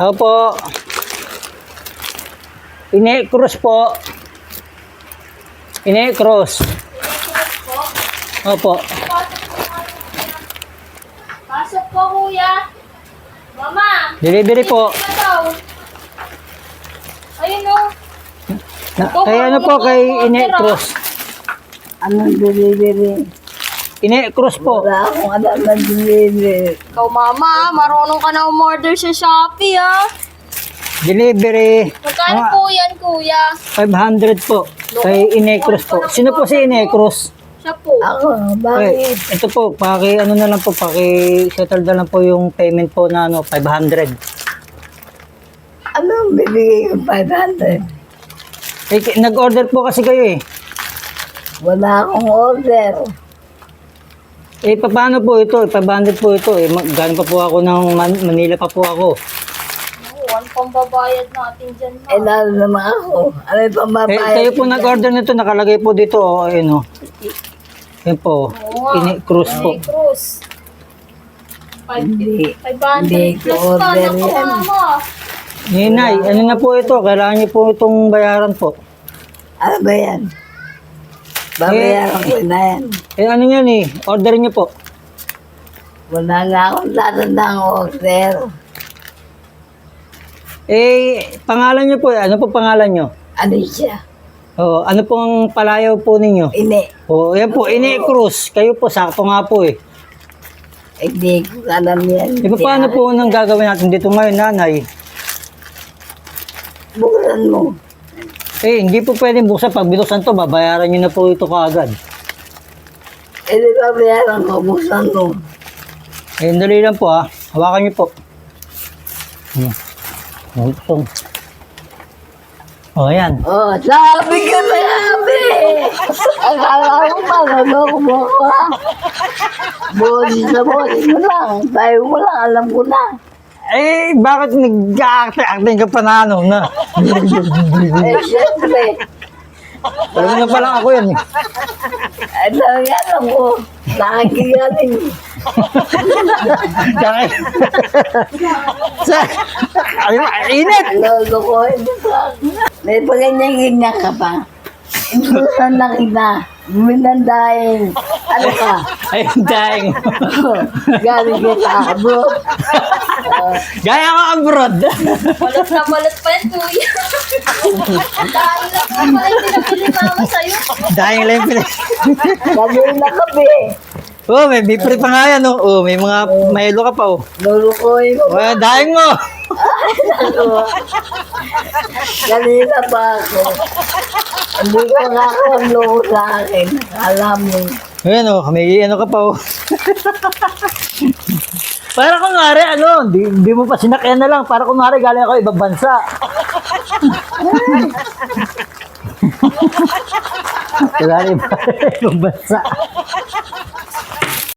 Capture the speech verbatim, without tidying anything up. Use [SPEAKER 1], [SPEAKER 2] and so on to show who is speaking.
[SPEAKER 1] Opo. Ine-cross po. Ine-cross. Opo.
[SPEAKER 2] Pasok po, kuya. Mama.
[SPEAKER 1] Delivery po.
[SPEAKER 2] Ito daw. Ayun o.
[SPEAKER 1] Na, kay ano po, kay Ine-cross.
[SPEAKER 3] Anong delivery?
[SPEAKER 1] Ine-cross po.
[SPEAKER 3] Wala akong alam na delivery.
[SPEAKER 2] Ikaw, mama, marunong ka na umorder sa Shopee, ha?
[SPEAKER 1] Delivery.
[SPEAKER 2] Magkano
[SPEAKER 1] Mga
[SPEAKER 2] po yan, kuya?
[SPEAKER 1] five hundred po. Kay Ine-cross po. Sino po si Ine-cross?
[SPEAKER 2] Siya po.
[SPEAKER 3] Ako,
[SPEAKER 1] Okay,
[SPEAKER 3] bakit?
[SPEAKER 1] ito po, paki ano na lang po, paki settle na lang po yung payment po na ano, five hundred.
[SPEAKER 3] Anong bibigay ko five hundred?
[SPEAKER 1] Eh, ki- nag-order po kasi kayo eh.
[SPEAKER 3] Wala akong order.
[SPEAKER 1] Eh, pa- paano po ito? five hundred po ito eh. Mag- Galing pa po ako ng Man- Manila pa po ako.
[SPEAKER 2] Oo, ano pang babayad natin dyan,
[SPEAKER 3] Eh,
[SPEAKER 2] ma?
[SPEAKER 3] lalo naman ako. Ano yung
[SPEAKER 1] Eh,
[SPEAKER 3] pambabayad?
[SPEAKER 1] kayo po nag-order nito, nakalagay po dito, oh, ayun oh. Yan po,
[SPEAKER 2] Oo nga.
[SPEAKER 1] ini-cruise po.
[SPEAKER 2] Ay, Cruz. Five-
[SPEAKER 3] Hindi.
[SPEAKER 2] five hundred
[SPEAKER 3] Hindi ko
[SPEAKER 2] plus pa.
[SPEAKER 3] order
[SPEAKER 2] Naku,
[SPEAKER 3] yan.
[SPEAKER 2] mama.
[SPEAKER 1] Ninay, ano na po ito? Kailangan niyo po itong bayaran po.
[SPEAKER 3] Ano ba yan? Babayaran ko na yan.
[SPEAKER 1] Eh, ano yan eh? Order niyo po.
[SPEAKER 3] Wala nga akong tatandang order.
[SPEAKER 1] Eh, pangalan niyo po, eh. Ano po pangalan niyo?
[SPEAKER 3] Ano siya?
[SPEAKER 1] Oh, ano pong palayaw po ninyo?
[SPEAKER 3] Ini.
[SPEAKER 1] Oh, yan po, ini-cruise. Kayo po, sakto nga po eh.
[SPEAKER 3] Hindi ko alam yan.
[SPEAKER 1] Eh, paano po nang gagawin natin dito ngayon, nanay?
[SPEAKER 3] Buksan mo.
[SPEAKER 1] Eh, hindi po pwedeng buksan. Pag binuksan to, babayaran niyo na po ito kaagad.
[SPEAKER 3] Eh, di babayaran ko. Buksan mo.
[SPEAKER 1] Eh, dali lang po ha. Hawakan niyo po. Hmm. Oh, ito. Oh, yan.
[SPEAKER 3] Oh, sabi ka na sabi! Akala ko maloloko mo ako ha? Boses na boses mo lang. Tayo mo lang, alam ko na.
[SPEAKER 1] Eh, bakit nag-acting ka pa na ano na?
[SPEAKER 3] Eh, syempre.
[SPEAKER 1] Alam na pala ako yan eh.
[SPEAKER 3] Ay, talaga alam ko. Nakikigaling.
[SPEAKER 1] Kaya, sa, ay, init!
[SPEAKER 3] Lolokohin mo ka. May paganyan-ganyan ka pa. Inusan na kita. Minandahin. Ano ka?
[SPEAKER 1] Ay, dying.
[SPEAKER 3] Galing kita, bro.
[SPEAKER 1] Gaya ka abroad.
[SPEAKER 2] Balot na balot pa yan, kuya. Dahil lang pa pala yung pinabili mama sa'yo.
[SPEAKER 1] Dying lang yung pili.
[SPEAKER 3] Kanina kape.
[SPEAKER 1] Oh, may bipre pa nga yan oh. Oh, may mga mayelo ka pa oh.
[SPEAKER 3] Lulukoy mo.
[SPEAKER 1] Oh, dying mo.
[SPEAKER 3] Ano? Kanina pa ako. Hindi ko nga ako ang loko sa akin. Alam mo.
[SPEAKER 1] Ayan oh, may ano ka pa oh. Para kunwari ano, di, di mo pa sinakyan na lang. Para kunwari galing ako ibang bansa. Kunwari ibang bansa.